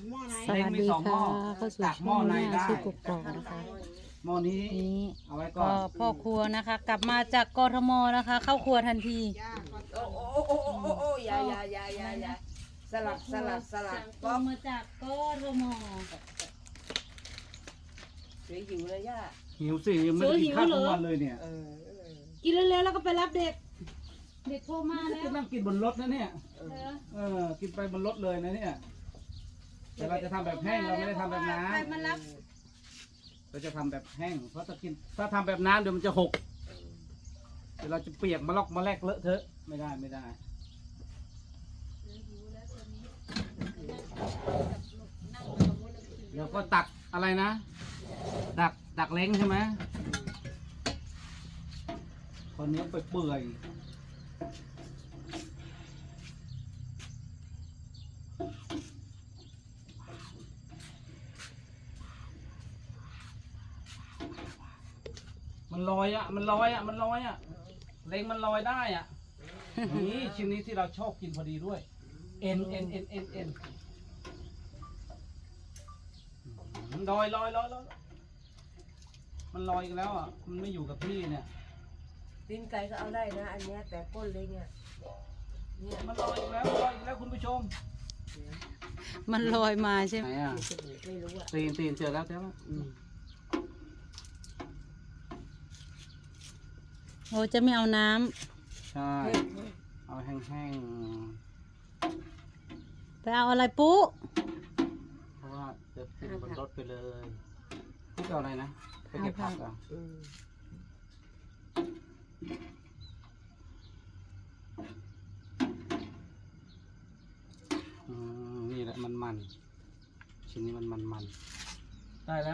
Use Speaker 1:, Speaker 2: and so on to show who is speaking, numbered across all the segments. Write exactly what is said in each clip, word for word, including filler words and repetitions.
Speaker 1: สวัสดีค่ะเข้าสู่ช่องหน้าชื่อกกอกนะคะ
Speaker 2: หม้อนี้
Speaker 1: นี้
Speaker 2: เอาไว้ก่อ
Speaker 1: ก็
Speaker 2: น
Speaker 1: พ่อครัวนะคะ กลับมาจากกทมนะคะ เข้าครัวทันที
Speaker 3: โอ้โอ้โอ้โอ้โอ้โอ้ยายายายายาสลับสลับสลับ
Speaker 1: ก็มาจากกทม
Speaker 3: สวยหิวเลยย่า
Speaker 2: หิวสิยังไม่ได้กินข้าวทุกวันเลยเนี่ย
Speaker 3: เออเออ
Speaker 1: กินเร็วๆแล้วก็ไปรับเด็ก เด็กโทรมาแล้ว
Speaker 2: จะนั่งกินบนรถนะเนี่ย
Speaker 3: เอ
Speaker 1: เอ
Speaker 3: อ
Speaker 1: อ
Speaker 2: เออกินไปบนรถเลยนะเนี่ยแต่เราจะทำแบบแห้งเราไม่ได้ทำแบบน้
Speaker 1: ใครมารับ
Speaker 2: ำเราจะทำแบบแห้งเพราะถ้ากินถ้าทำแบบน้ำเดี๋ยวมันจะหกเดี๋ยวเราจะเปียกมาลอกมาแลกเลอะเทอะไม่ได้ไม่ได้เดี๋ยวก็ตักอะไรนะตักตักเล้งใช่ไหมคนนี้ไปเปื่อยมันลอยอ่ะมันลอยอ่ะมันลอยอ่ะเล้งมันลอยได้อ่ะนี่ชิ้นนี้ที่เราชอบกินพอดีด้วยเอ็นเอ็นเอ็นเอ็นเอ็นลอยลอยลอยลอยมันลอยอีกแล้วอ่ะมันไม่อยู่กับที่เนี่ย
Speaker 3: ตีนไก่ก็เอาได้นะอันเนี้ยแต่ก้นเลยเนี่ยเนี่ย
Speaker 2: มันลอยอีกแล้วลอยอีกแล้วคุณผู้ชม
Speaker 1: มันลอยมาใช่ไห
Speaker 2: ไห
Speaker 1: ม
Speaker 2: นอ่ะ
Speaker 3: ไม่รู้อ่ะ
Speaker 2: ตีนตีนเจอแล้วเจอแล้วอืม
Speaker 1: โอ้จะไม่เอาน้ำ
Speaker 2: ใช่เอาแห้ง
Speaker 1: ไปเอาอะไรปุ๊
Speaker 2: ๆเพราะว่าจะกินบนรถไปเลยพี่เอาอะไรนะไปเก็บผักอ่ะ
Speaker 3: อืม
Speaker 2: อืมนี่แหละมันมันชิ้นนี้มันมันมันได้แล้ว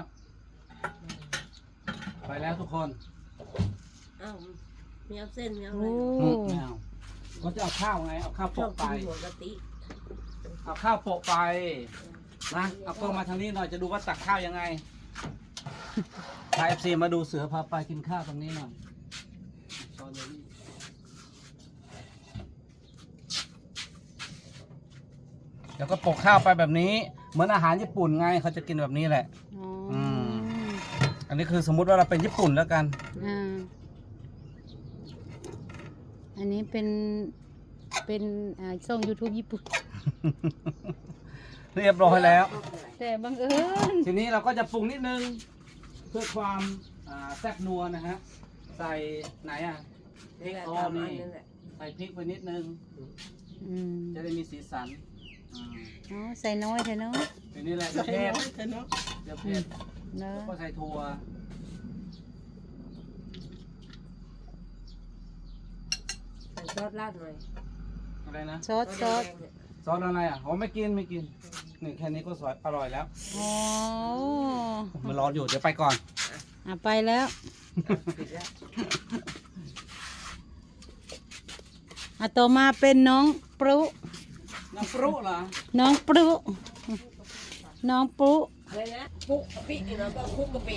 Speaker 2: ไปแล้วทุกคน
Speaker 3: อ้าวมีเอาเส้นมีเอาอะ
Speaker 1: โอ้
Speaker 3: ไร
Speaker 2: อืมไม่เอาก็จะเอาข้าวไงเอาข้าว
Speaker 3: ชอบ
Speaker 2: โปะไป
Speaker 3: กินหัวกะทิ
Speaker 2: เอาข้าวโปะไปนะเอากล้องมาทางนี้หน่อยจะดูว่าตักข้าวยังไงพาเอฟซีมาดูเสือพาไปกินข้าวตรงนี้หน่อยช้อนเลยนี่แล้วก็โปะข้าวไปแบบนี้ เหมือนอาหารญี่ปุ่นไงเขาจะกินแบบนี้แหละ
Speaker 1: อ๋อ
Speaker 2: อืม อันนี้คือสมมุติว่าเราเป็นญี่ปุ่นแล้วกัน
Speaker 1: อ่าอันนี้เป็น เป็นอ่าช่อง YouTube ญี่ปุ่น
Speaker 2: เรียบร้อยแล้ว
Speaker 1: แต่บังเอิญ
Speaker 2: ทีนี้เราก็จะปรุงนิดนึง เพื่อความอ่าแซ่บนัวนะฮะ ใส่ไหนอ่ะ
Speaker 3: นี่แหละ
Speaker 2: โอ้
Speaker 3: ตามอั
Speaker 2: นี่
Speaker 3: นนั่นแหละ
Speaker 2: ใส่พริกไปนิดนึง
Speaker 1: อืม
Speaker 2: จะได้มีสีสันอืม
Speaker 1: อ๋อใส่น้อยเถอะเนาะ
Speaker 2: ทีนี้แหละเดี๋ยวเผ็ดเดี๋ยวเผ็ด
Speaker 1: เนอะ
Speaker 2: ก็ใส่ถั่ว
Speaker 3: ใส่ซอสราดหน่อย
Speaker 2: อะไรนะ
Speaker 1: ซอสซอส
Speaker 3: แดงๆเนี่ย
Speaker 2: ซอสอะไรอ่ะอ๋อไม่กินไม่กิน นี่แค่นี้ก็สวยอร่อยแล้ว
Speaker 1: อ๋อ
Speaker 2: มันร้อนอยู่เดี๋ยวไปก่อน
Speaker 1: อ่ะไปแล้ว
Speaker 3: ปิดแล้ว
Speaker 1: อ่ะต่อมาเป็นน้องปรุ
Speaker 2: น้ำปรุเหรอ
Speaker 1: น้องปรุน้องปรุ
Speaker 3: อะไรนะคลุกกะปิแล้วก็คลุกกะปิ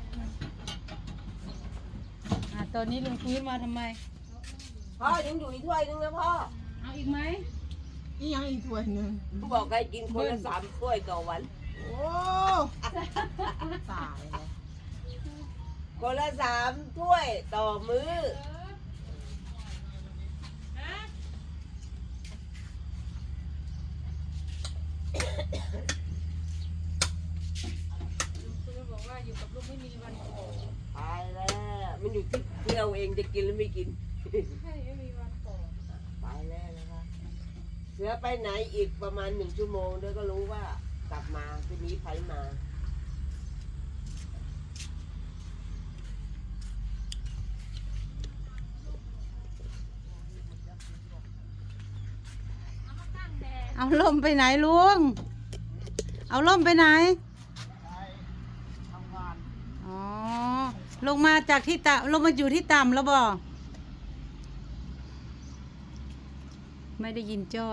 Speaker 1: อ่ะตอนนี้ลุงพื้นมาทำไม
Speaker 3: พ่อยังอยู่อีกถ้วยนึงนะพ่อ
Speaker 1: เอาอีกไหม
Speaker 4: อีหยังอีกถ้วยหนึ่ง
Speaker 3: เขาบอกให้กินคนละสามถ้วยต่อวัน
Speaker 4: โอ้ตายแล้ว
Speaker 3: คนละสามถ้วยต่อมื้อ
Speaker 1: บอกว่าอยู่กับลูกไม่มีวันโก
Speaker 3: ตายแล้วมันอยู่ที่ที่เราเองจะกินหรือไม่กิน
Speaker 1: ใช่ไม่มีวันโก
Speaker 3: ไปแล้วนะคะเสือไปไหนอีกประมาณหนึ่งชั่วโมงเดี๋ยวก็รู้ว่ากลับมาจะมีไฟมา
Speaker 1: เอาล่มไปไหนลุง เอาล่มไปไหน
Speaker 4: ทำงาน
Speaker 1: อ๋อ ลงมาจากที่ต่ำลงมาอยู่ที่ต่ำแล้วบ่ไม่ได้ยินจ้อย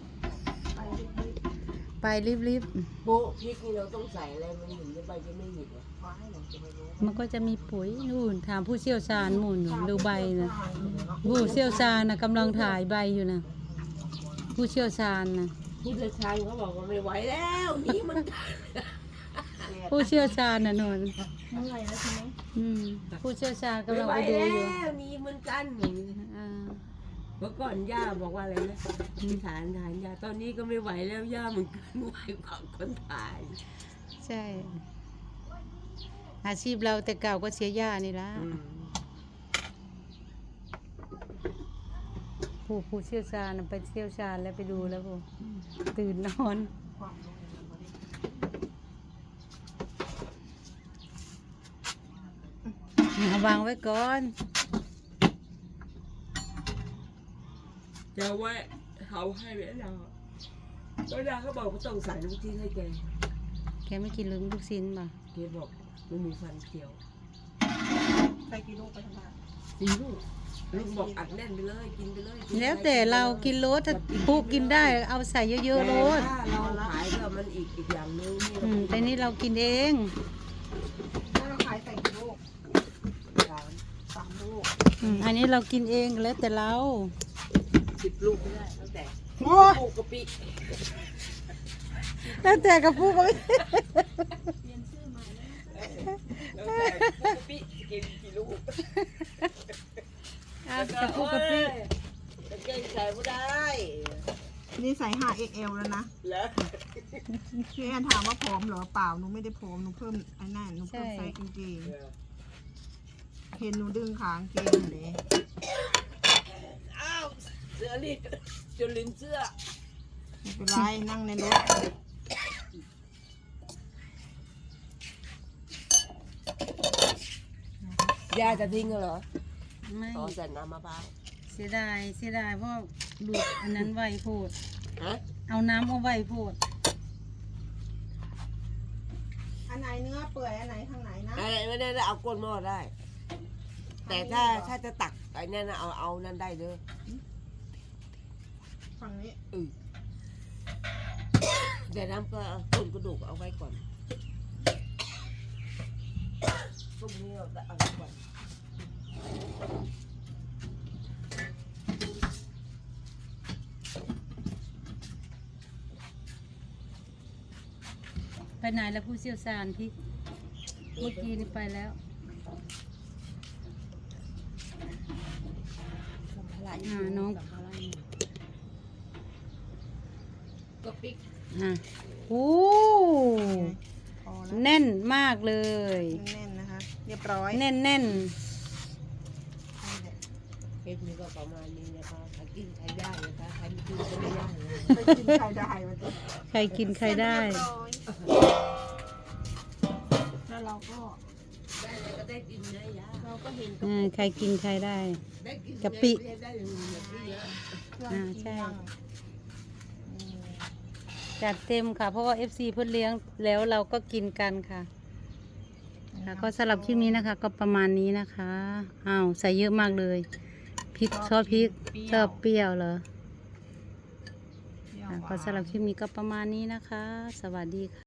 Speaker 1: ไปรีบ
Speaker 3: โบะพริกนี่เราต้องใส่อะไรมันถึงจะใบจะไม่หยิบเหรอฟ้าให้เราจะไม่รู้
Speaker 1: ๆ มันก็จะมีปุ๋ยนู่นถามผู้เชี่ยวชาญหมุนดูใบนะผู้เชี่ยวชาญนะกำลังถ่ายใบอยู่นะผู้เชี่ยวชาญนะ
Speaker 3: ผู้เชี่ยวชาญเขาบอกว่าไม่ไหวแล้วนี่มัน
Speaker 1: ผู้เชี่ยวชาญน่ะนน
Speaker 4: เมื่อยแล้วใช่ไหม
Speaker 1: อืมผู้เชี่ยวชาญ
Speaker 3: ไม่
Speaker 1: กำลัง
Speaker 3: ไหว
Speaker 1: ไปดู
Speaker 3: แล้
Speaker 1: อยู่
Speaker 3: วนี่มันกันอย่างนี้
Speaker 1: อ่า
Speaker 3: เมื่อก่อนย่าบอกว่าอะไรนะที่ฐานฐานย่าตอนนี้ก็ไม่ไหวแล้วย่ามันเกินไหวกว่าคนถ่าย
Speaker 1: ใช่ อาชีพเราแต่เก่าก็เสียหญ้านี่ละ
Speaker 3: อืม
Speaker 1: ผู้ผู้เชี่ยวชาญน่ะไปเชี่ยวชาญแล้วไปดูแล้วผู้ตื่นนอนเอาวางไว้ก่อน
Speaker 3: จะไว้เขาให้ไว้เราก็ดาเขาบอกว่าต้องใส่น้ำจิ้มให้แก
Speaker 1: แกไม่กินลืมลูกชิ้นป่ะ
Speaker 3: แกบอกไม่มีฟันเขียว
Speaker 4: ใส่กี่ลูกไปทำงาน
Speaker 3: สีลูกลูกบอกอัดแน่นไปเลยกินไปเลยกินไป
Speaker 1: แล้วแต่เรากินรสถ้าผู้กินได้เอาใส่เยอะๆรส
Speaker 3: แต่ถ้าเราขายก็มันอีกอีกอย่างนึงนี่
Speaker 1: อืมแต่นี่เรากินเอง
Speaker 4: ถ้าเราขายใส่กี่ลูก
Speaker 3: สาม
Speaker 4: สามลูก
Speaker 1: อืมอันนี้เรากินเองแล้วแต่เรา
Speaker 3: สิบลูกไม่ได้ตั้งแต่
Speaker 4: โอ้ย
Speaker 3: ลูกกะปิ
Speaker 1: แล้วแต่กับผู้ก็ไม่
Speaker 3: ตั้งแต่ลูกกะปิกินกี่ลูก
Speaker 1: อ่ะกับผู้กับพี่
Speaker 3: กางเกงใส่ไม่ได้
Speaker 4: นี่ใส่ ห้า เอ็กซ์ แอล แล้วนะ
Speaker 3: แล้ว
Speaker 4: พี่แอนถามว่าผอมเหรอเปล่าหนูไม่ได้ผอมหนูเพิ่มไอ้นั่นหนูเพิ่มไซส์กางเกงเห็นหนูดึงขากางเกงเลย
Speaker 3: อ้าวเสื้อรีดจนลิ้นเสื้อ
Speaker 4: ไม่เป็นไรนั่งในรถ
Speaker 3: ยาจะทิ้งเหรอ
Speaker 1: ไม่
Speaker 3: ต่อใส่น้ำมะพร้าว
Speaker 1: เสียดายเสียดายเพราะดูดอันนั้นไวโพด
Speaker 3: ฮะ
Speaker 1: เอาน้ำเอาไวโพด
Speaker 4: อันไหนเนื้อเปื่อยอันไหนข้างไหนนะ
Speaker 3: อะไรไม่ได้เอาก้นหม้อได้ แต่ถ้าถ้าจะตักไอ้นั่นน่ะเอาเอานั่นได้เด้อ
Speaker 4: ฝั่งนี้
Speaker 3: อือแต่น้ำก็ต้นกระดูกเอาไว้ก่อนพรุ่งนี้เราจะเอาไว้ก่อน
Speaker 1: ไปไหนแล้วผู้เชี่ยวชาญพี่เมื่อกี้นี่ไปแล้ว
Speaker 3: สัมภาระ
Speaker 1: อ่าน้อง
Speaker 3: สัมภาระอยู่ก็ปิ๊ก
Speaker 1: อ่ะโอ้
Speaker 4: พอแล้ว
Speaker 1: แน่นมากเลย
Speaker 4: แน่นๆนะคะ เรียบร้อย
Speaker 1: แน่นแน่น
Speaker 3: เพชรนี่ก็ประมาณนี้นะคะใครกินใครได้นะคะใครไม่กินก็ไม่ได้นะ
Speaker 4: ไปกินใครได้วันนี้
Speaker 1: ใครกินใครได้
Speaker 4: แล้วเราก็
Speaker 3: ได้เลยก็ได้กินนะยา
Speaker 4: เราก็เห็น
Speaker 1: อ่าใครกินใครได้
Speaker 3: ได้กิน
Speaker 1: กะปิ
Speaker 3: ได้ได้เงินแบบนี้เยอะ
Speaker 4: เครื่อง
Speaker 1: อ่า
Speaker 4: กิน
Speaker 1: ใช่
Speaker 4: ย่าง
Speaker 1: จัดเต็มค่ะ เพราะว่า เอฟ ซี เพื่อนเลี้ยงแล้วเราก็กินกันค่ะค่ะก็สำหรับคลิปนี้นะคะ ก็ประมาณนี้นะคะอ้าวใส่เยอะมากเลยพริกชอบพริกชอบเปรี้ยวเหรอ
Speaker 4: เปรี้ยว
Speaker 1: ค่ะ
Speaker 4: หวาน
Speaker 1: ก็สำหรับคลิปนี้ก็ประมาณนี้นะคะ สวัสดีค่ะ